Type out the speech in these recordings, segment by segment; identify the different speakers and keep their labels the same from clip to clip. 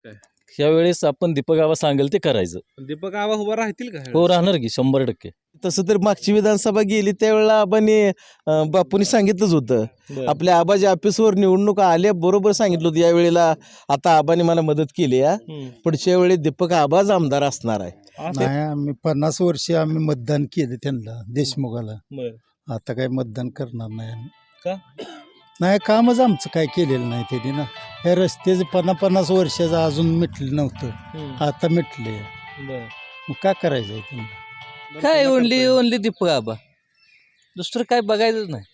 Speaker 1: काय?
Speaker 2: यावेळेस आपण दीपक आबा सांगेल ते करायचं.
Speaker 1: दीपक आबा उभा राहतील का
Speaker 2: हो राहणार की 100%.
Speaker 3: तसं तर मागची विधानसभा गेली त्यावेळेला आबांनी बापूंनी सांगितलंच होतं.
Speaker 1: बरं.
Speaker 3: आपल्या आबाच्या ऑफिसवर निवडणूक आल्या बरोबर सांगितलं होतं यावेळेला आता आबांनी मला मदत केली आहे. पुढच्या वेळी दीपक आबाच आमदार असणार आहे.
Speaker 4: नाही आम्ही 50 वर्षे आम्ही मतदान केलं त्यांना देशमुखाला.
Speaker 1: बरं.
Speaker 4: आता काय मतदान करणार नाही आम्ही.
Speaker 1: का?
Speaker 4: नाही कामच आमचं काय केलेलं नाही त्यांनी ना. हे रस्त्याचे 50 वर्षाचं अजून मिटलं नव्हतं, आता मिटले.
Speaker 1: बरं.
Speaker 4: मग काय करायचं आहे त्यांना?
Speaker 2: काय ओनली दीपक आबा, दुसरं काय बघायचंच नाही.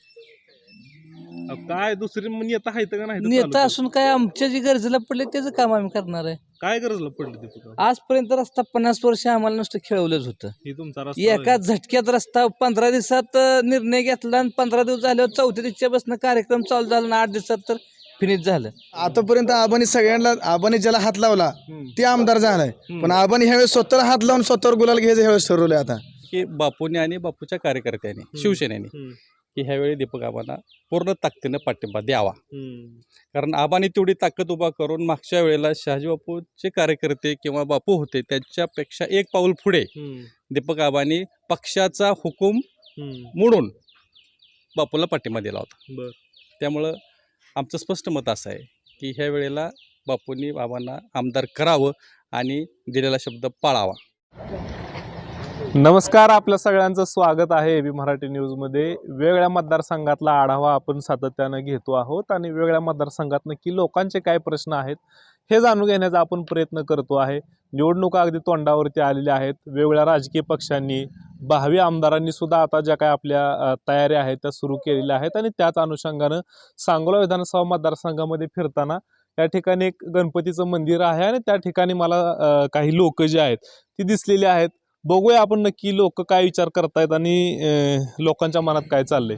Speaker 1: काय दुसरी नेता आहेत का नाही?
Speaker 2: नेता असून काय आमच्या जी गरजेला पडले त्याचं काम आम्ही करणार आहे.
Speaker 1: काय गरजला पडली दीपक आबा?
Speaker 2: आजपर्यंत रस्ता 50 वर्ष आम्हाला नुसतं खेळवलंच होतं.
Speaker 1: ही तुमचा रस्ता
Speaker 2: एका झटक्यात रस्ता 15 दिवसात निर्णय घेतला आणि 15 दिवस झाल्यावर 4थ्या दिवशीच्या बसनं कार्यक्रम चालू झाला आणि 8 दिवसात तर फिनिश झालं.
Speaker 5: आतापर्यंत आबानी सगळ्यांना आबानी ज्याला हात लावला ते आमदार झालाय, पण आबानी ह्यावेळेस स्वतःला हात लावून स्वतःवर गुलाल घ्यायचं ह्यावेळेस ठरवलंय. आता
Speaker 6: की बापूने आणि बापूच्या कार्यकर्त्यांनी शिवसेनेने की ह्यावेळी दीपक आबांना पूर्ण ताकदीनं पाठिंबा द्यावा. कारण आबांनी तेवढी ताकद उभा करून मागच्या वेळेला शहाजी बापूचे कार्यकर्ते किंवा बापू होते त्यांच्यापेक्षा एक पाऊल पुढे दीपक आबांनी पक्षाचा हुकूम मोडून बापूला पाठिंबा दिला होता. त्यामुळं आमचं स्पष्ट मत असं आहे की ह्या वेळेला बापूंनी बाबांना आमदार करावं आणि दिलेला शब्द पाळावा.
Speaker 1: नमस्कार, आपल्या सगळ्यांचं स्वागत आहे एबी मराठी न्यूजमध्ये. वेगळ्या मतदारसंघातला आढावा आपण सातत्यानं घेतो आहोत आणि वेगळ्या मतदारसंघात नक्की लोकांचे काय प्रश्न आहेत हे जाणून घेण्याचा आपण प्रयत्न करतो आहे. निवडणुका अगदी तोंडावरती आलेल्या आहेत. वेगवेगळ्या राजकीय पक्षांनी, भावी आमदारांनी सुद्धा आता ज्या काय आपल्या तयाऱ्या आहेत त्या सुरू केलेल्या आहेत आणि त्याच अनुषंगानं सांगोला विधानसभा मतदारसंघामध्ये फिरताना या ठिकाणी एक गणपतीचं मंदिर आहे आणि त्या ठिकाणी मला काही लोक जे आहेत ती दिसलेली आहेत. बघूया आपण नक्की लोक काय विचार करतायत आणि लोकांच्या मनात काय चाललंय.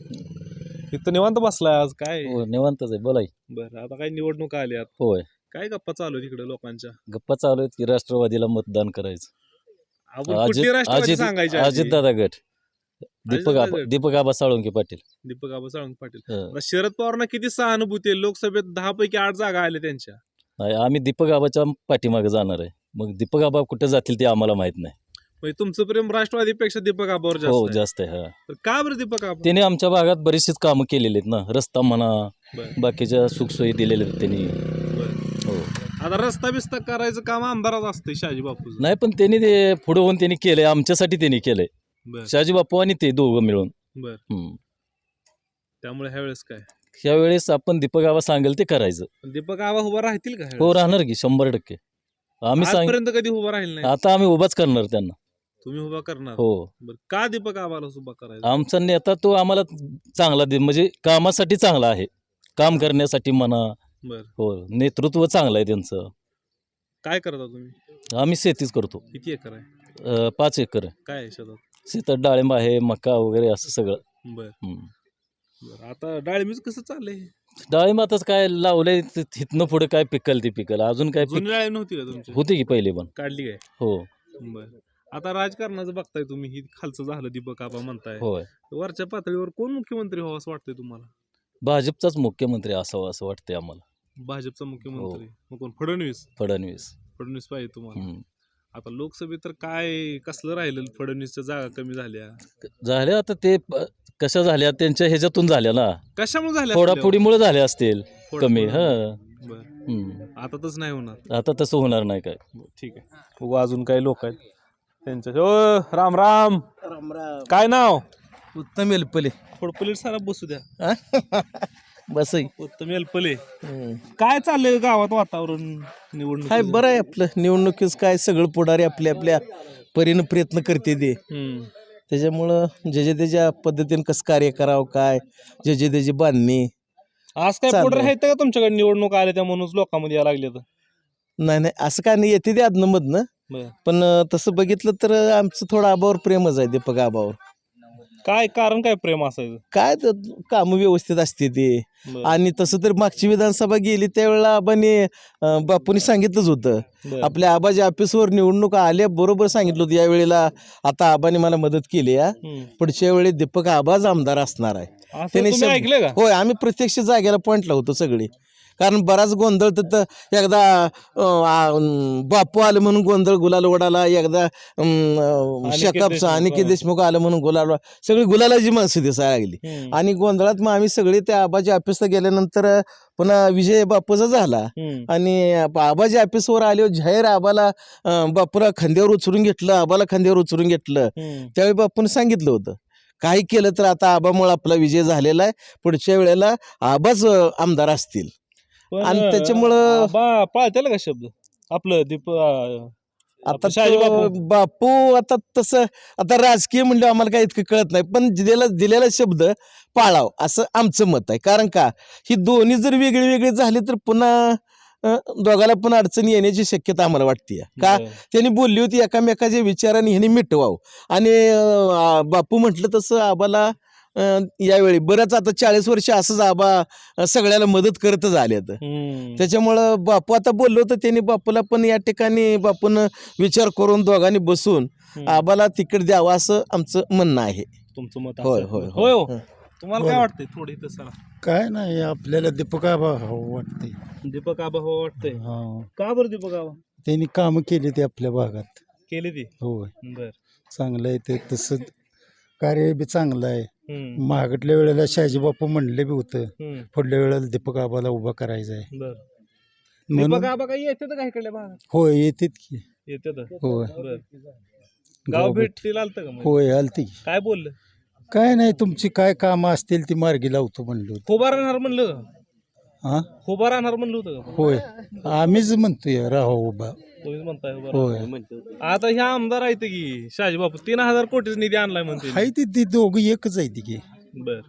Speaker 1: इथं निवांत बसलाय आज काय?
Speaker 2: निवांतच आहे, बोलाय.
Speaker 1: बरं, आता काय निवडणुका आल्यात,
Speaker 2: होय,
Speaker 1: काय गप्पा चालू आहे तिकडे लोकांच्या?
Speaker 2: गप्पा चालू आहेत की राष्ट्रवादीला मतदान करायचं.
Speaker 1: आपण कुठली राष्ट्रवादी सांगायची?
Speaker 2: अजित दादा गट,
Speaker 1: अजितदादा गट.
Speaker 2: दीपक आबा साळुंके पाटील.
Speaker 1: दीपक आबा साळुंके पाटील.
Speaker 2: हं.
Speaker 1: आता शरद पवारांना किती सहानुभूती आहे? लोकसभेत 10 पैकी 8 जागा आल्या त्यांच्या.
Speaker 2: नाही, आम्ही दीपक आबाच्या पाठीमागे जाणार आहे. मग दीपक आबा कुठे जातील ते आम्हाला माहित नाही.
Speaker 1: म्हणजे तुमचं प्रेम राष्ट्रवादीपेक्षा दीपक आबावर जास्त
Speaker 2: हो
Speaker 1: आहे.
Speaker 2: जास्त आहे. हा,
Speaker 1: तर का बरं दीपक आबा?
Speaker 2: त्याने आमच्या भागात बरीचशीच कामं केलेली आहेत ना. रस्ता म्हणा,
Speaker 1: बरं.
Speaker 2: बाकीच्या सुखसोयी दिलेल्या आहेत त्यांनी.
Speaker 1: बरं.
Speaker 2: हो,
Speaker 1: आता रस्ता बिस्ता करायचं काम आमदाराच असते शहाजी बापूचं.
Speaker 2: नाही पण त्यांनी ते पुढे होऊन त्यांनी केलंय, आमच्यासाठी त्यांनी केलंय.
Speaker 1: बरं.
Speaker 2: शहाजी बापू आणि ते दोघं मिळून.
Speaker 1: बरं. त्यामुळे ह्या वेळेस काय?
Speaker 2: यावेळेस आपण दीपक आबा सांगेल ते करायचं.
Speaker 1: पण दीपक आबा उभा राहतील का ह्या
Speaker 2: हो
Speaker 1: वेळेस?
Speaker 2: राहणार की 100%. आम्ही सांग
Speaker 1: आजपर्यंत कधी उभा राहील नाही.
Speaker 2: आता आम्ही उभाच करणार त्यांना.
Speaker 1: तुम्ही उभा करणार?
Speaker 2: हो,
Speaker 1: बरं, का दीपक आबाला उभा करायचा?
Speaker 2: आमचा नेता तो आम्हाला चांगला म्हणजे कामासाठी चांगला आहे, काम करण्यासाठी म्हणा.
Speaker 1: बरं.
Speaker 2: हो, नेतृत्व चांगलं आहे त्यांचं.
Speaker 1: काय करता तुम्ही?
Speaker 2: आम्ही शेतीच करतो.
Speaker 1: किती एकर आहे?
Speaker 2: 5 एकर आहे.
Speaker 1: काय आहे शेतात?
Speaker 2: शेतात डाळिंब आहे, मका वगैरे असं सगळं.
Speaker 1: बरं.
Speaker 2: हम्म.
Speaker 1: बरं, आता डाळिंबीच कसं चाललंय?
Speaker 2: डाळिंब आताच काय लावलंय, तिथनं पुढे काय पिकल ते पिकल. अजून काय
Speaker 1: जुनी डाळिंब नव्हती का तुमची?
Speaker 2: होती की पहिले पण.
Speaker 1: काढली काय?
Speaker 2: हो
Speaker 1: बरं. आता राजकारणाचं बघताय तुम्ही, ही खालचं झालं दीपक आबा म्हणताय,
Speaker 2: होय,
Speaker 1: वरच्या पातळीवर कोण मुख्यमंत्री व्हावं असं वाटतंय तुम्हाला?
Speaker 2: भाजपचाच मुख्यमंत्री असावा असं वाटतंय आम्हाला.
Speaker 1: भाजपचा मुख्यमंत्री? मग कोण? फडणवीस?
Speaker 2: फडणवीस.
Speaker 1: फडणवीस पाहिजे तुम्हाला?
Speaker 2: हम्म.
Speaker 1: आता लोकसभेत तर काय कसलं राहिलं? फडणवीसच्या जागा कमी झाल्या.
Speaker 2: झाल्या आता ते कशा झाल्या त्यांच्या ह्याच्यातून झाल्या ना,
Speaker 1: कशामुळे झाल्या?
Speaker 2: फोडाफोडीमुळे झाल्या असतील कमी. हा,
Speaker 1: बरं. आता तसं नाही होणार.
Speaker 2: आता तसं होणार नाही काय.
Speaker 1: ठीक आहे, बघू अजून काही लोक आहेत त्यांच्या. ओ राम राम.
Speaker 3: राम राम.
Speaker 1: काय नाव?
Speaker 3: उत्तम एलपले.
Speaker 1: खोडपलीट सारा बसू द्या.
Speaker 3: बस
Speaker 1: उत्तम एलपले. काय चाललंय गावात वातावरण निवडणूक?
Speaker 3: हाय बरं आहे आपलं. निवडणुकीच काय सगळं पुढारी आपल्या आपल्या परीनं प्रयत्न करते ते. त्याच्यामुळं जे त्याच्या पद्धतीने कसं कार्य करावं, काय जे त्याची बांधणी.
Speaker 1: आज काय
Speaker 3: चाललंय.
Speaker 1: पुढे आहेत का तुमच्याकडे निवडणूक आल्या त्या म्हणून लोकांमध्ये यायला लागले?
Speaker 3: नाही असं काय नाही, येते ते आदनमधनं.
Speaker 1: बरं.
Speaker 3: पण तसं बघितलं तर आमचं थोडं आबावर प्रेमच आहे, दीपक आबावर.
Speaker 1: काय कारण, काय प्रेम असायचं?
Speaker 3: काय तर कामं व्यवस्थित असते ते.
Speaker 1: बरं.
Speaker 3: आणि तसं तर मागची विधानसभा गेली त्यावेळेला आबांनी बापूंनी सांगितलंच होतं.
Speaker 1: बरं.
Speaker 3: आपल्या आबाच्या ऑफिसवर निवडणूक आल्या बरोबर सांगितलं होतं यावेळेला आता आबांनी मला मदत केली आहे. पुढच्या वेळी दीपक आबाच आमदार असणार आहे.
Speaker 1: असं
Speaker 3: त्याने
Speaker 1: तुम्ही ऐकलं का?
Speaker 3: होय, आम्ही प्रत्यक्ष जागेला पॉईंटला होतो सगळे. कारण बराच गोंधळ तर एकदा बापू आलं म्हणून गोंधळ गुलाल ओढाला, एकदा शकाप अनिकेत देशमुख आलं म्हणून गुलाल सगळी गुलालाची माणसं दिसायला लागली. आणि गोंधळात मग आम्ही सगळे त्या आबाच्या ऑफिसला गेल्यानंतर पुन्हा विजय बापूचा झाला. आणि आबाच्या ऑफिसवर आले जाहीर आबाला बापूला खांद्यावर उचलून घेतलं, आबाला खांद्यावर उचलून घेतलं. त्यावेळी बापून सांगितलं होतं काही केलं तर आता आबामुळे आपला विजय झालेला आहे, पुढच्या वेळेला आबाच आमदार असतील. आणि त्याच्यामुळं
Speaker 1: पाळतेला का शब्द आपलं
Speaker 3: आता
Speaker 1: शहाजी
Speaker 3: बापू आता तसं आता राजकीय म्हणलं आम्हाला काही इतकं कळत नाही, पण दिलेला शब्द पाळाव असं आमचं मत आहे. कारण का ही दोन्ही जर वेगळी वेगळी झाली तर पुन्हा दोघाला पण अडचणी येण्याची शक्यता आम्हाला वाटते. का त्यांनी बोलली होती एकामेकाच्या विचाराने ह्यांनी मिटवावं. आणि बापू म्हटलं तसं आबाला यावेळी बरंच आता 40 वर्ष असंच आबा सगळ्याला मदत करतच आले. त्याच्यामुळं बापू आता बोललो होतं त्यांनी बापूला पण या ठिकाणी बापून विचार करून दोघांनी बसून आबाला तिकीट द्यावं असं आमचं म्हणणं आहे.
Speaker 1: तुमचं मत
Speaker 3: होय
Speaker 1: असेल.
Speaker 3: होय
Speaker 1: होय
Speaker 3: होय
Speaker 1: हो. तुम्हाला काय वाटतंय थोडी तसं
Speaker 4: काय नाही आपल्याला दीपक आबा वाटते.
Speaker 1: दीपक आबा हो वाटतंय?
Speaker 4: हा
Speaker 1: का बरं दीपक आबा
Speaker 4: त्यांनी कामं केली ते आपल्या भागात.
Speaker 1: केली ती?
Speaker 4: होय
Speaker 1: बर.
Speaker 4: चांगलं आहे ते, तसं कार्य बी चांगलं आहे. मागटल्या वेळेला शहाजी बापू म्हणले बी होतं पुढल्या वेळेला दीपक आबाला उभा करायचा आहे.
Speaker 1: बर.
Speaker 4: म्हणून
Speaker 1: दीपक आबा काही येते का इकडल्या भागात?
Speaker 4: होय येतात की.
Speaker 1: येते.
Speaker 4: होय
Speaker 1: बर. गाव भेटतील आलतं का मग?
Speaker 4: होय आलती की.
Speaker 1: काय बोललं?
Speaker 4: काय नाही तुमची काय कामं असतील ती मार्गी लावतो म्हणलो होतो.
Speaker 1: खोबा राहणार म्हणलं का?
Speaker 4: हा
Speaker 1: खोबा राहणार म्हणलं होतं का?
Speaker 4: होय आम्हीच म्हणतोय राहो उभा.
Speaker 1: तुम्हीच म्हणताय उभा
Speaker 4: होय
Speaker 1: राहणार. आता ह्या आमदार आहेत की शहाजी बापू 3000 कोटीचा निधी आणलाय म्हणते.
Speaker 4: हाय ती दोघं एकच आहे ती की.
Speaker 1: बर.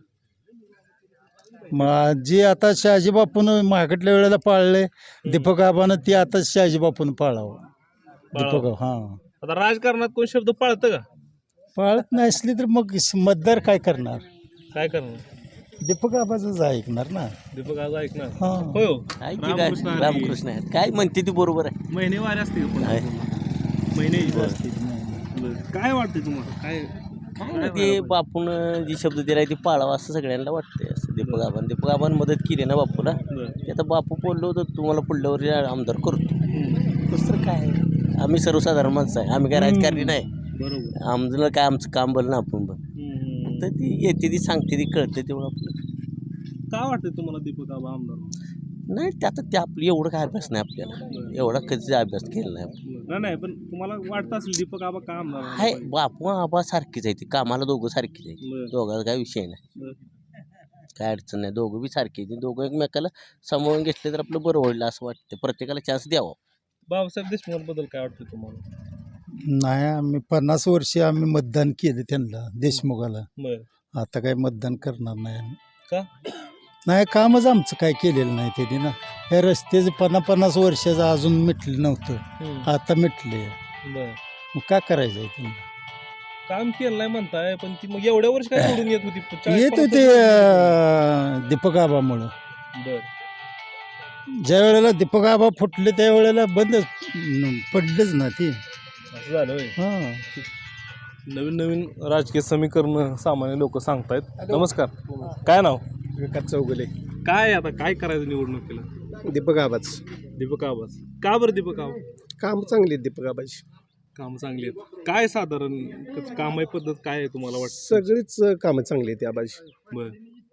Speaker 4: मग जे आता शहाजी बापून मागटल्या वेळेला पाळले दीपक आबानं ते आता शहाजी बापून पाळावं. दीपक हा
Speaker 1: आता राजकारणात कोण शब्द पाळतं का?
Speaker 4: पाळत नसली तर मग मतदार काय करणार?
Speaker 1: काय करणार?
Speaker 4: दीपक आबाच ऐकणार ना.
Speaker 1: दीपक आज ऐकणार.
Speaker 4: हा
Speaker 1: होय हो.
Speaker 3: आहे की काय रामकृष्ण आहेत काय म्हणते ती बरोबर आहे.
Speaker 1: महिनेवारी असते का पुन्हा? महिने असते. बरं. काय वाटते तुम्हाला? काय
Speaker 7: काय नाही ते बापून जी शब्द दिलाय ते पाळावा असं सगळ्यांना वाटतंय. असं दीपक आबान मदत केली ना बापूला, ते आता बापू बोललो होतं तुम्हाला पुढल्या वर्षी आमदार करतो. दुसरं काय आम्ही सर्वसाधारण माणसं आहे, आम्ही काय राजकारणी नाही.
Speaker 1: बरोबर.
Speaker 7: आमचं काय आमचं काम बोल ना आपण पण तर ती येते ती सांगते ती कळते तेवढं आपलं.
Speaker 1: काय वाटतं तुम्हाला दीपक आबा आमदार?
Speaker 7: नाही ते आता ते आपलं एवढं काय अभ्यास नाही आपल्याला, एवढा कधी अभ्यास केला नाही आपण.
Speaker 1: नाही पण तुम्हाला वाटतं असेल दीपक आबा का आमदार?
Speaker 7: हाय बापू आबा सारखीच आहे ती, कामाला दोघं सारखीच आहे,
Speaker 1: बरं.
Speaker 7: दोघांचा काय विषय नाही,
Speaker 1: बरं.
Speaker 7: काय अडचण नाही, दोघं बी सारखी आहे. दोघं एकमेकाला सांभाळून घेतले तर आपलं बरं होईल असं वाटतं. प्रत्येकाला चान्स द्यावा.
Speaker 1: बाबासाहेब देशमुखांबद्दल काय वाटतं तुम्हाला?
Speaker 4: नाही आम्ही 50 वर्षे आम्ही मतदान केलं त्यांना देशमुखाला.
Speaker 1: बरं.
Speaker 4: आता काय मतदान करणार नाही आम्ही.
Speaker 1: का?
Speaker 4: नाही कामच आमचं काय केलेलं नाही त्यांनी ना. हे रस्त्याचे 50 वर्षाचं अजून मिटलं नव्हतं, आता मिटले.
Speaker 1: बरं.
Speaker 4: मग काय करायचं आहे त्यांना?
Speaker 1: काम केलं नाही म्हणताय पण ती मग एवढ्या वर्ष काय सोडून येत होती? 40-50
Speaker 4: येत होते दीपक आबामुळं.
Speaker 1: बरं.
Speaker 4: ज्या वेळेला दीपक आबा फुटले त्या वेळेला बंद पडलंच ना ती.
Speaker 1: असं झालं होय.
Speaker 4: हां
Speaker 1: नवीन राजकीय समीकरण सामान्य लोक सांगतायत. नमस्कार, काय नाव?
Speaker 5: विकास चौगुले.
Speaker 1: काय आता काय करायचं निवडणुकीला?
Speaker 5: दीपक आबाच.
Speaker 1: दीपक आबाच का बरं? दीपक आबा
Speaker 5: काम चांगली आहेत दीपक आबाची.
Speaker 1: काम चांगली आहेत. काय साधारण कामाई पद्धत काय आहे तुम्हाला वाटतं?
Speaker 5: सगळीच कामं चांगली आहेत आबाची.
Speaker 1: बरं.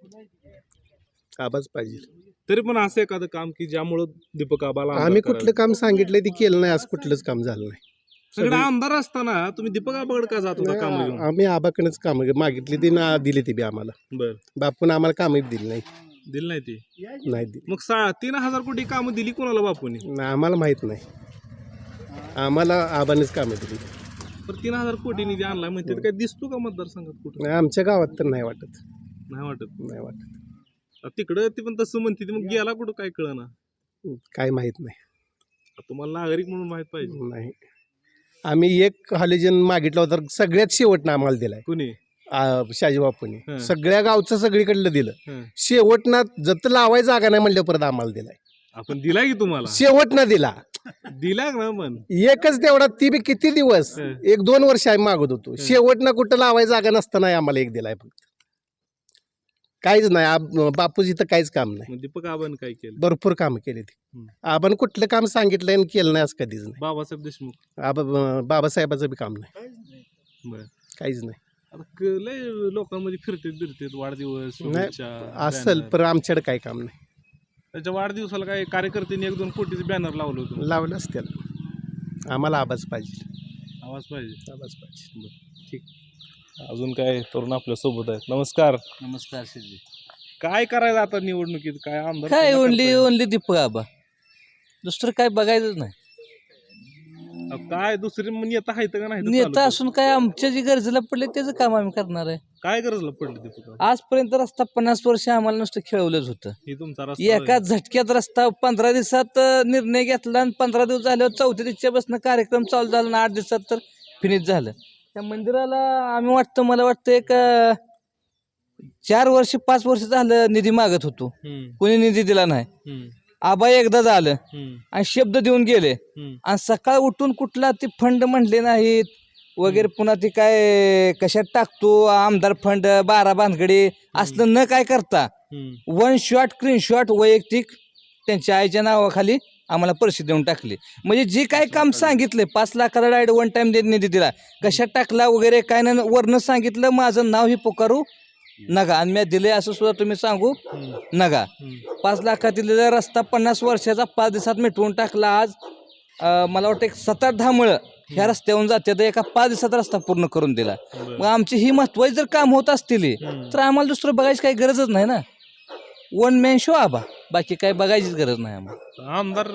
Speaker 5: आबाच पाहिजे.
Speaker 1: तरी पण असं एखादं काम की ज्यामुळं दीपक आबाला आमदार
Speaker 5: आम्ही
Speaker 1: करायचं?
Speaker 5: कुठलं काम सांगितलंय ते केलं नाही, असं कुठलंच काम झालं नाही.
Speaker 1: सगळं आमदार असताना तुम्ही दीपक आबाकडे का जात होता काम घेऊन?
Speaker 5: आम्ही आबाकडे काम मागितली ती ना दिली ती बी आम्हाला.
Speaker 1: बरं.
Speaker 5: बापून आम्हाला कामही दिली नाही.
Speaker 1: दिली नाही ती?
Speaker 5: नाही दिली.
Speaker 1: मग 3000 कोटी कामं दिली कोणाला बापूने?
Speaker 5: नाही, आम्हाला माहित नाही. आम्हाला आबानेच कामं दिली.
Speaker 1: पण 3000 कोटी निधी आणलाय म्हणते काय दिसतो का मतदारसंघात कुठं?
Speaker 5: नाही, आमच्या गावात तर नाही वाटत.
Speaker 1: नाही वाटत.
Speaker 5: नाही वाटत.
Speaker 1: तिकडं ती पण तसं म्हणते ती, मग गेला कुठं काय कळना?
Speaker 5: काय माहित नाही.
Speaker 1: तुम्हाला नागरिक म्हणून माहित पाहिजे.
Speaker 5: नाही, आम्ही एक हॉलिजन मागितला होता सगळ्यात शेवटनं आम्हाला दिलाय
Speaker 1: कुणी?
Speaker 5: शहाजी बापूने.
Speaker 1: हं.
Speaker 5: सगळ्या गावचं सगळीकडलं दिलं.
Speaker 1: हं.
Speaker 5: शेवटनं जत लावाय जागा नाही म्हणल्या परत आम्हाला दिलाय.
Speaker 1: आपण दिलाय की तुम्हाला?
Speaker 5: शेवटनं दिला.
Speaker 1: दिला ना पण
Speaker 5: एकच तेवढा, ती बी किती दिवस,
Speaker 1: हं.
Speaker 5: 1-2 वर्ष आम्ही मागत होतो. शेवटनं कुठं लावाय जागा नसताना आम्हाला एक दिलाय फक्त.
Speaker 8: काहीच नाही बापूजी तर काहीच काम नाही.
Speaker 1: मग दीपक आबांनी काय केलं?
Speaker 8: भरपूर कामं केली ती.
Speaker 1: हम्म.
Speaker 8: आपण कुठलं काम सांगितलं आणि केलं नाही असं कधीच नाही.
Speaker 1: बाबासाहेब देशमुख
Speaker 8: बाबासाहेबाचं बी काम नाही,
Speaker 1: बरं.
Speaker 8: काहीच नाही.
Speaker 1: आता लय लोकांमध्ये फिरतेत वाढदिवस
Speaker 8: नाही
Speaker 1: शुभेच्छा,
Speaker 8: असेल
Speaker 1: banner.
Speaker 8: पण आमच्याकडे काही काम नाही.
Speaker 1: त्याच्या वाढदिवसाला काय कार्यकर्त्यांनी 1-2 कोटीचे बॅनर लावलं होतं.
Speaker 8: लावलंच त्याला. आम्हाला आवाज पाहिजे,
Speaker 1: आवाज पाहिजे.
Speaker 8: आवाज पाहिजे.
Speaker 1: अजून काय तरुण आपल्या सोबत आहेत. नमस्कार.
Speaker 2: नमस्कार शिरजी.
Speaker 1: काय करायचं आता निवडणुकीत? काय आमदार
Speaker 2: काय
Speaker 1: कोणाला
Speaker 2: ओनली
Speaker 1: करताय?
Speaker 2: ओनली दीपक आबा, दुसरं काय बघायचंच नाही.
Speaker 1: काय दुसरे नेता आहेत का नाही?
Speaker 2: नेता असून काय आमच्या जी गरजेला पडले त्याचं काम आम्ही करणार आहे.
Speaker 1: काय गरजला पडली दीपक आबा?
Speaker 2: आजपर्यंत रस्ता 50 वर्ष आम्हाला नुसतं खेळवलंच होतं.
Speaker 1: हे तुमचा रस्ता
Speaker 2: एका झटक्यात रस्ता 15 दिवसात निर्णय घेतला आणि 15 दिवस झाल्यावर 4थ्या दिवसापासून कार्यक्रम चालू झाला आणि 8 दिवसात तर फिनिश झालं. त्या मंदिराला मला वाटतं एक 4 वर्ष 5 वर्ष झालं निधी मागत होतो, कोणी निधी दिला नाही. आबा एकदा झालं आणि शब्द देऊन गेले आणि सकाळ उठून कुठला ते फंड म्हणले नाहीत वगैरे, पुन्हा ते काय कशात टाकतो आमदार फंड 12 भानगडी असलं न काय करता 1 शॉट स्क्रीन शॉट वैयक्तिक त्यांच्या आईच्या नावाखाली आम्हाला पैसे देऊन टाकले. म्हणजे जे काय काम सांगितले 5 लाखाला डायरेक्ट 1 टाइम निधी दिला, कशात टाकला वगैरे काय नाही, वरनं सांगितलं माझं नाव ही पुकारू नका आणि मी दिले असं सुद्धा तुम्ही सांगू नका. 5 लाखात दिलेला रस्ता 50 वर्षाचा 5 दिवसात मिटवून टाकला. आज मला वाटतं एक 7-8-10 मळं ह्या रस्त्यावरून जाते तर एका 5 दिवसात रस्ता पूर्ण करून दिला. मग आमची ही महत्वाची जर काम होत असतील तर आम्हाला दुसरं बघायची काही गरजच नाही ना. 1 मॅन शो आबा, बाकी काही बघायचीच गरज नाही आम्हाला.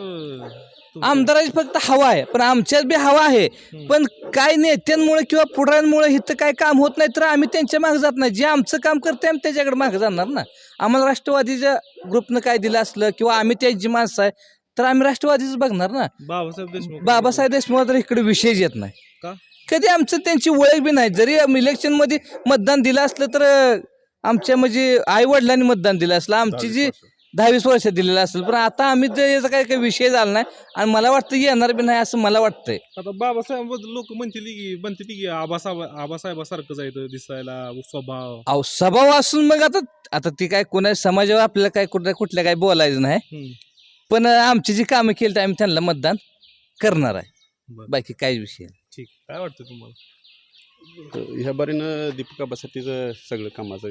Speaker 2: आमदाराची फक्त हवा आहे, पण आमच्यात बी हवा आहे. पण काय नेत्यांमुळे किंवा पुढाऱ्यांमुळे इथं काय काम होत नाही तर आम्ही त्यांच्या मागे जात नाही. जे आमचं काम करते आम्ही त्याच्याकडे मागे जाणार ना. आम्हाला राष्ट्रवादीच्या ग्रुपनं काय दिलं असलं किंवा आम्ही त्यांची माणसं आहे तर आम्ही राष्ट्रवादीच बघणार ना. बाबासाहेब देशमुख तर इकडे विषयच येत नाही. कधी आमचं त्यांची ओळख बी नाही. जरी इलेक्शनमध्ये मतदान दिलं असलं तर आमच्या म्हणजे आई वडिलांनी मतदान दिलं असलं, आमची जी 10-20 वर्ष दिलेलं असेल, पण आता आम्ही याचा काही विषय झाला नाही आणि मला वाटतं येणार बी नाही असं मला वाटतंय.
Speaker 1: आता बाबासाहेब लोक म्हणतील की आबासाहेबासारखं जायचं दिसायला स्वभाव.
Speaker 2: अहो स्वभाव असून मग आता ती काय कोणा समाजावर आपल्याला काय कुठल्या काय बोलायचं नाही. पण आमची जी कामं केली तर आम्ही त्यांना मतदान करणार आहे, बाकी काहीच विषय नाही.
Speaker 1: ठीक. काय वाटतं तुम्हाला?
Speaker 6: ह्या बारीनं दीपक आबासाठीच सगळं कामाचं.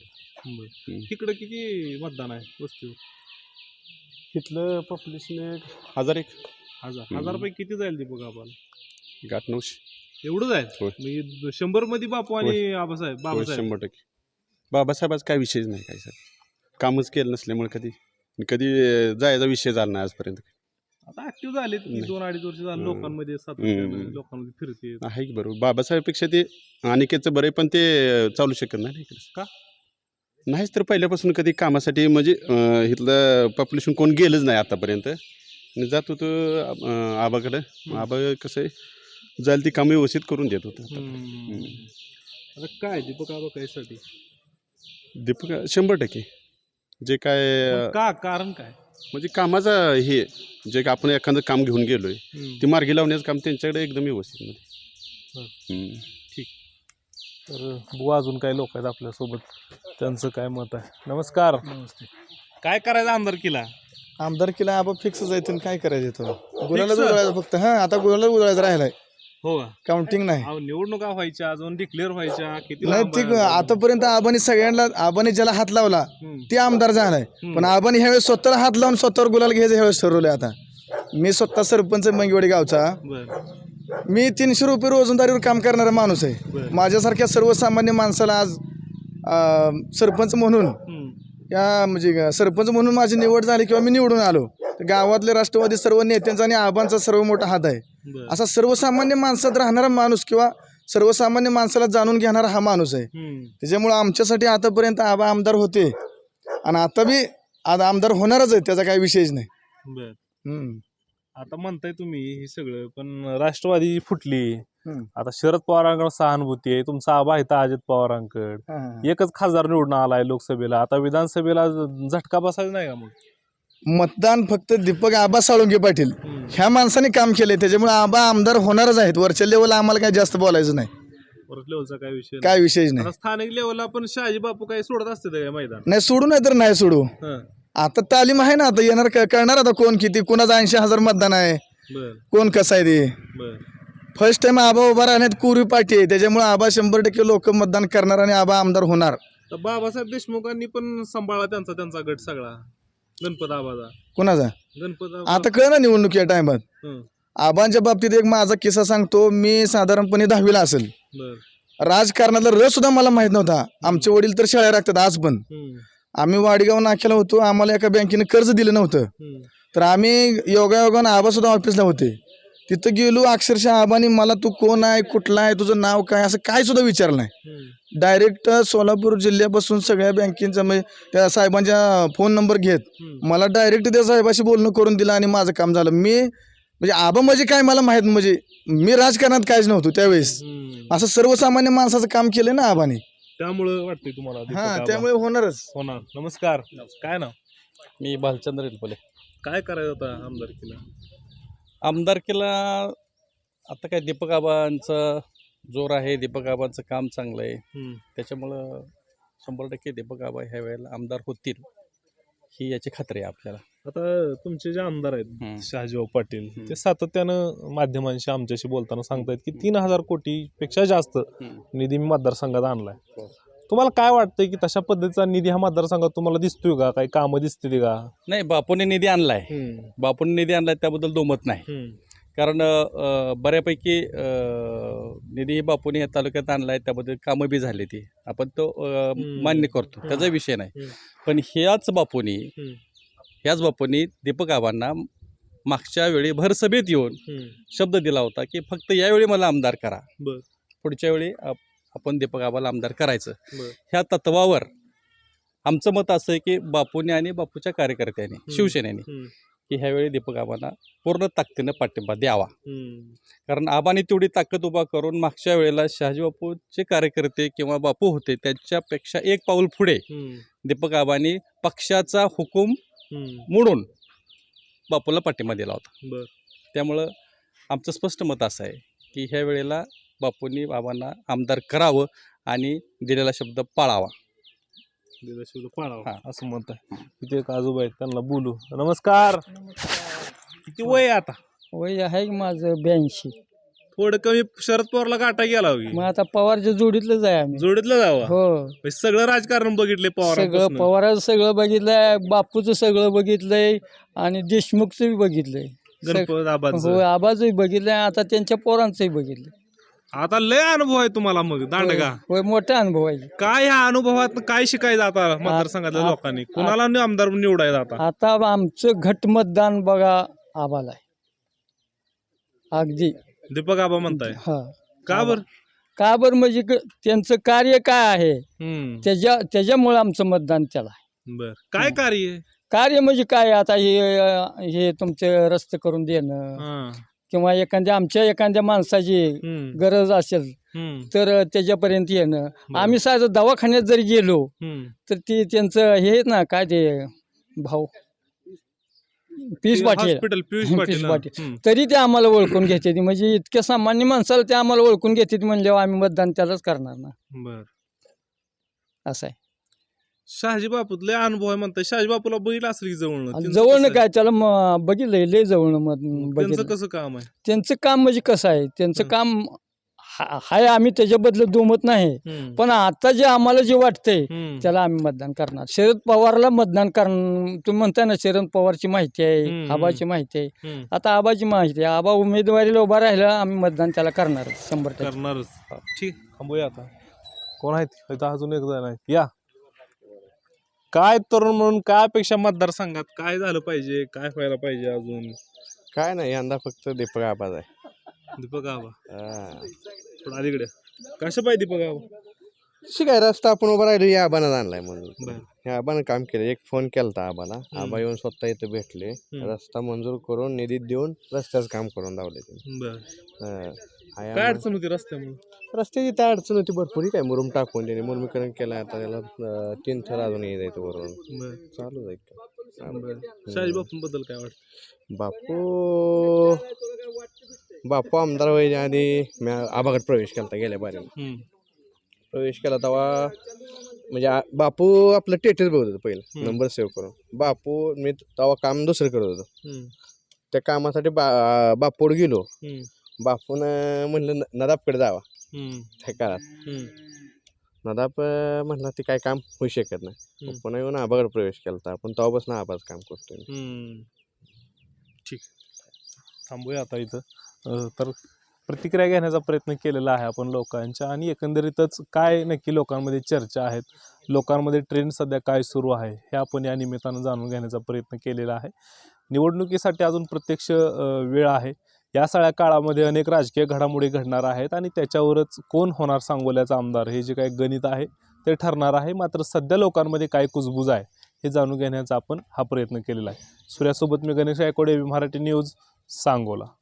Speaker 1: इकडं किती मतदान आहे वस्तीवर?
Speaker 6: इथलं पॉप्युलेशन 1000
Speaker 1: पैकी किती जाईल दीपक आबाला?
Speaker 6: 800-900
Speaker 1: एवढं जाईल? म्हणजे 100 मध्ये बापू आणि बाबासाहेब.
Speaker 6: 100%. बाबासाहेबाचा काय विषयच नाही काय सर, कामच केलं नसल्यामुळे कधी जायचा विषय झाला नाही आजपर्यंत.
Speaker 1: आता ऍक्टिव्ह झाले 2-2.5 वर्ष झाले लोकांमध्ये, लोकांमध्ये फिरते
Speaker 6: आहे की बरोबर. बाबासाहेबपेक्षा ते अनिकेतचं बरं, पण ते चालू शकत नाही इकडे.
Speaker 1: का?
Speaker 6: नाहीच तर पहिल्यापासून कधी कामासाठी म्हणजे इथलं पॉप्युलेशन कोण गेलंच नाही आतापर्यंत. जात होतं आबाकडं. आबा कसं आहे जाईल ती कामं व्यवस्थित करून देत होतं.
Speaker 1: आता काय दीपक आबा कायसाठी?
Speaker 6: दीपक 100% जे काय
Speaker 1: का कारण काय?
Speaker 6: म्हणजे कामाचा हे जे काय आपण एखादं काम घेऊन गेलोय ते मार्गी लावण्याचं काम त्यांच्याकडे एकदम व्यवस्थित.
Speaker 1: ठीक. तर बुवा अजून काही लोक आहेत आपल्यासोबत, त्यांचं काय मत आहे? नमस्कार. काय करायचं आमदारकीला?
Speaker 5: आमदारकीला आबा फिक्सच आहे. काय करायचं गुलालाच उधळायचं फक्त. आता गुलालाच उधळायचं राहिलाय.
Speaker 1: हो,
Speaker 5: काउंटिंग नाही.
Speaker 1: निवडणुका व्हायच्या, अजून डिक्लेअर व्हायच्या, किती
Speaker 5: नाही ती आतापर्यंत आबाने ज्याला हात लावला ते आमदार झालाय. पण आबाने ह्यावेळेस स्वतःला हात लावून स्वतःवर गुलाल घ्यायचं ह्यावेळेस ठरवलंय. आता मी स्वतः सरपंच मंगेवाडी गावचा. मी 300 रुपये रोजंदारीवर काम करणारा माणूस आहे. माझ्यासारख्या सर्वसामान्य माणसाला आज सरपंच म्हणून म्हणजे सरपंच म्हणून माझी निवड झाली किंवा मी निवडून आलो तर गावातले राष्ट्रवादी सर्व नेत्यांचा आणि आबांचा सर्व मोठा हात आहे. असा सर्वसामान्य माणसात राहणारा माणूस किंवा सर्वसामान्य माणसाला जाणून घेणारा हा माणूस आहे. त्याच्यामुळे आमच्यासाठी आतापर्यंत आबा आमदार होते आणि आता बी आमदार होणारच आहे, त्याचा काही विषयच नाही.
Speaker 1: आता म्हणताय तुम्ही हे सगळं, पण राष्ट्रवादी फुटली. आता शरद पवारांकडे सहानुभूती आहे, तुमचा आबा आहे अजित पवारांकडे. एकच खासदार निवडून आलाय लोकसभेला, आता विधानसभेला झटका बसायचा नाही का? मग
Speaker 5: मतदान फक्त दीपक आबा साळुंके पाटील ह्या माणसाने काम केलंय, त्याच्यामुळे आबा आमदार होणारच आहेत. वरच्या लेवलला आम्हाला काही जास्त बोलायचं नाही.
Speaker 1: परत लेवलचा काय विषय नाही.
Speaker 5: काय विषयच नाही.
Speaker 1: आता स्थानिक लेवलला पण शहाजी बापू काही सोडत असते काय मैदान?
Speaker 5: नाही सोडू नाही तर नाही सोडू.
Speaker 1: हं.
Speaker 5: आता तालीम आहे ना, आता येणार कळणार आता कोण किती, कुणाचं 80,000 मतदान आहे,
Speaker 1: बर
Speaker 5: कोण कसं आहे ते.
Speaker 1: बर
Speaker 5: फर्स्ट टाइम आबा उभा राहण्यात कुरी पाठी आहे, त्याच्यामुळे आबा 100% लोक मतदान करणार आणि आबा आमदार होणार.
Speaker 1: तर बाबासाहेब देशमुखांनी पण सांभाळला त्यांचा गट सगळा, गणपत आबाचा.
Speaker 5: कुणाचा
Speaker 1: गणपत
Speaker 5: आता कळ ना निवडणूक या टायमात.
Speaker 1: हं.
Speaker 5: आबांच्या बाबतीत एक माझा किस्सा सांगतो. मी साधारणपणे 10वीला असेल.
Speaker 1: बर
Speaker 5: राजकारणातला रस सुद्धा मला माहित नव्हता. आमचे वडील तर शाळा राखतात आज पण.
Speaker 1: हं.
Speaker 5: आम्ही वाडगाव नाक्याला होतो, आम्हाला एका बँकेने कर्ज दिलं नव्हतं.
Speaker 1: हं.
Speaker 5: तर आम्ही योगायोगानं आबा सुद्धा ऑफिसला होते. तिथं गेलो, अक्षरशः आबानी मला तू कोण आहे, कुठला आहे, तुझं नाव काय, असं काय सुद्धा विचारलं नाही.
Speaker 1: हं.
Speaker 5: डायरेक्ट सोलापूर जिल्ह्यापासून सगळ्या बँकेचा म्हणजे त्या साहेबांच्या फोन नंबर घेत
Speaker 1: हं.
Speaker 5: मला डायरेक्ट त्या साहेबाशी बोलणं करून दिलं आणि माझं काम झालं. मी म्हणजे आबा म्हणजे काय मला माहित, म्हणजे मी राजकारणात काहीच नव्हतो त्यावेळेस.
Speaker 1: हं.
Speaker 5: असं सर्वसामान्य माणसाचं काम केलं ना आबाने.
Speaker 1: त्यामुळं वाटतंय तुम्हाला दीपक
Speaker 5: हा
Speaker 1: आबा
Speaker 5: त्यामुळे होणारच.
Speaker 1: होणार. नमस्कार, काय नाव?
Speaker 6: मी भालचंद्र रेलपले.
Speaker 1: काय करायचं होता आमदारकीला?
Speaker 6: आमदारकीला आता काय दीपक आबांचा जोर आहे, दीपक आबांचं काम चांगलं आहे,
Speaker 1: हं.
Speaker 6: त्याच्यामुळं 100% दीपक आबा ह्या वेळेला आमदार होतील ही याची खात्री आहे आपल्याला.
Speaker 1: आता तुमचे जे आमदार आहेत
Speaker 6: हं.
Speaker 1: शहाजीभाऊ पाटील,
Speaker 6: हं.
Speaker 1: ते सातत्यानं माध्यमांशी आमच्याशी बोलताना सांगतायत की 3,000 कोटीपेक्षा जास्त
Speaker 6: हं.
Speaker 1: निधी मी मतदारसंघात आणलाय.
Speaker 6: हो.
Speaker 1: तुम्हाला काय वाटतंय की तशा पद्धतीचा निधी ह्या मतदारसंघात तुम्हाला दिसतोय का? काही कामं दिसतील का?
Speaker 6: नाही, बापूने निधी आणलाय, बापूने निधी आणलाय त्याबद्दल दुमत नाही. कारण बऱ्यापैकी निधी बापूने या तालुक्यात आणलाय, त्याबद्दल कामं बी झाली ती आपण तो मान्य करतो, त्याचा विषय नाही. पण ह्याच बापूंनी दीपक आबांना मागच्या वेळी भरसभेत येऊन शब्द दिला होता की फक्त यावेळी मला आमदार करा,
Speaker 1: बर.
Speaker 6: पुढच्या वेळी आपण दीपक आबाला आमदार करायचं.
Speaker 1: बर.
Speaker 6: ह्या तत्वावर आमचं मत असं आहे की बापूने आणि बापूच्या कार्यकर्त्यांनी, शिवसेनेने की ह्यावेळी दीपक आबांना पूर्ण ताकदीनं पाठिंबा द्यावा. कारण आबाने तेवढी ताकद उभा करून मागच्या वेळेला शहाजी बापूचे कार्यकर्ते किंवा बापू होते त्यांच्यापेक्षा एक पाऊल पुढे दीपक आबांनी पक्षाचा हुकूम मोडून बापूला पाठिंबा दिला होता.
Speaker 1: बर.
Speaker 6: त्यामुळं आमचं स्पष्ट मत असं आहे की ह्या वेळेला बापूंनी बाबांना आमदार करावं आणि दिलेला शब्द पाळावा.
Speaker 1: पाळावा असं म्हणत आहे. तिथे एक आजोबा आहेत, त्यांना बोलू. नमस्कार, किती वय आहे आता?
Speaker 9: वय आहे माझं 82.
Speaker 1: थोडं कमी शरद पवारला गाठा गेला होगी.
Speaker 9: मग आता पवारच्या जोडीतलंच आहे आम्ही.
Speaker 1: जोडीतलं जावं.
Speaker 9: हो,
Speaker 1: सगळं राजकारण बघितले पवार.
Speaker 9: सगळं पवाराचं सगळं बघितलंय, बापूचं सगळं बघितलंय आणि देशमुखचं बघितलंय.
Speaker 1: गणपत आबाचं.
Speaker 9: हो, आबाचंही बघितलंय, आता त्यांच्या पोरांचंही बघितलंय.
Speaker 1: आता लय अनुभव आहे तुम्हाला मग दांडगा.
Speaker 9: होय, मोठा अनुभव आहे.
Speaker 1: काय ह्या अनुभवात काय शिकायचं आता मतदारसंघातल्या लोकांनी? कुणाला आमदार निवडायचं आता?
Speaker 9: आता आमचं घट मतदान बघा आबाला आहे. अगदी
Speaker 1: दीपक आबा म्हणताय.
Speaker 9: हा.
Speaker 1: का बर?
Speaker 9: का बरं म्हणजे त्यांचं कार्य काय आहे त्याच्यामुळे आमचं मतदान त्याला आहे.
Speaker 1: बर. काय कार्य आहे?
Speaker 9: कार्य म्हणजे काय, आता हे तुमचे रस्ते करून देणं किंवा आमच्या एखाद्या माणसाची गरज असेल तर त्याच्यापर्यंत येणं. आम्ही साधं दवाखान्यात जरी गेलो तर ते त्यांचं हे आहेत ना, काय ते भाऊ पियुष पाटील, पियुष पाटील, तरी ते आम्हाला ओळखून घेते. म्हणजे इतक्या सामान्य माणसाला ते आम्हाला ओळखून घेते म्हणल्यावर आम्ही मतदान त्यालाच करणार ना.
Speaker 1: बर.
Speaker 9: असं आहे.
Speaker 1: शहाजी बापूतले अनुभव आहे म्हणताय. शहाजी बापूला बघितलं असेल की जवळनं?
Speaker 9: जवळनं काय, त्याला बघितलंय लय जवळनं
Speaker 1: त्यांचं कसं काम आहे?
Speaker 9: त्यांचं काम म्हणजे कसं आहे, त्यांचं काम हाय, आम्ही त्याच्याबद्दल दुमत नाही. पण आता जे आम्हाला जे वाटतंय त्याला आम्ही मतदान करणार. शरद पवारला मतदान करणार. तुम्ही म्हणताय ना शरद पवारची माहिती आहे, आबाची माहिती आहे. आता आबाची माहिती आहे. आबा उमेदवारीला उभा राहिला, आम्ही मतदान त्याला करणार 100%
Speaker 1: करणारच. ठीक, थांबूया आता. कोण आहेत इथं? अजून एक जण आहेत. या. काय तरुण म्हणून काय अपेक्षा मतदारसंघात? काय झालं पाहिजे, काय व्हायला पाहिजे अजून?
Speaker 8: काय नाही, यंदा फक्त दीपक आबाच आहे.
Speaker 1: दीपक आबा थोडं अलीकडे. कसं पाहिजे दीपक आबा?
Speaker 8: शिकाय रस्ता आपण उभा राहिलो, या आबानं आणलाय म्हणून.
Speaker 1: बरं.
Speaker 8: या आबानं काम केलं. एक फोन केलता आबाला, आबा येऊन स्वतः इथं भेटले, रस्ता मंजूर करून निधी देऊन रस्त्याचं काम करून लावले त्यांनी.
Speaker 1: बर. काय अडचण होती रस्त्यामुळे?
Speaker 8: रस्त्याची त्या अडचण होती भरपूर. काय मुरुम टाकून त्यांनी मुरमीकरण केलं. आता त्याला 3 थर अजून यायचं वरून. चालू जाईल.
Speaker 1: शहाजी बापूंबद्दल काय वाटतं?
Speaker 8: बापू आमदार व्हायच्या आधी मी आबाकडे प्रवेश केला गेल्या बारीनं प्रवेश केला तेव्हा म्हणजे बापू आपलं टेटस बघत होतं पहिलं नंबर सेव्ह करून. बापू मी तेव्हा काम दुसरं करत होतो. त्या कामासाठी बापूड गेलो. बापून म्हणलं नदाबकडे जावा. त्या काळात नदाब म्हणला ते काय काम होऊ शकत नाही. पुन्हा येऊन आबाकडे प्रवेश केला आपण तेव्हापासून आबाच काम करतोय.
Speaker 1: ठीक, थांबूया आता इथं. तर प्रतिक्रिया घेण्याचा प्रयत्न केलेला आहे आपण लोकांच्या, आणि एकंदरीतच काय नक्की लोकांमध्ये चर्चा आहेत, लोकांमध्ये ट्रेंड सध्या काय सुरू आहे हे आपण या निमित्तानं जाणून घेण्याचा प्रयत्न केलेला आहे. निवडणुकीसाठी अजून प्रत्यक्ष वेळ आहे. या सगळ्या काळामध्ये अनेक राजकीय घडामोडी घडणार आहेत आणि त्याच्यावरच कोण होणार सांगोल्याचा आमदार हे जे काही गणित आहे ते ठरणार आहे. मात्र सध्या लोकांमध्ये काय कुजबूज आहे हे जाणून घेण्याचा आपण हा प्रयत्न केलेला आहे. सूर्यासोबत मी गणेश गायकवाड, मराठी न्यूज, सांगोला.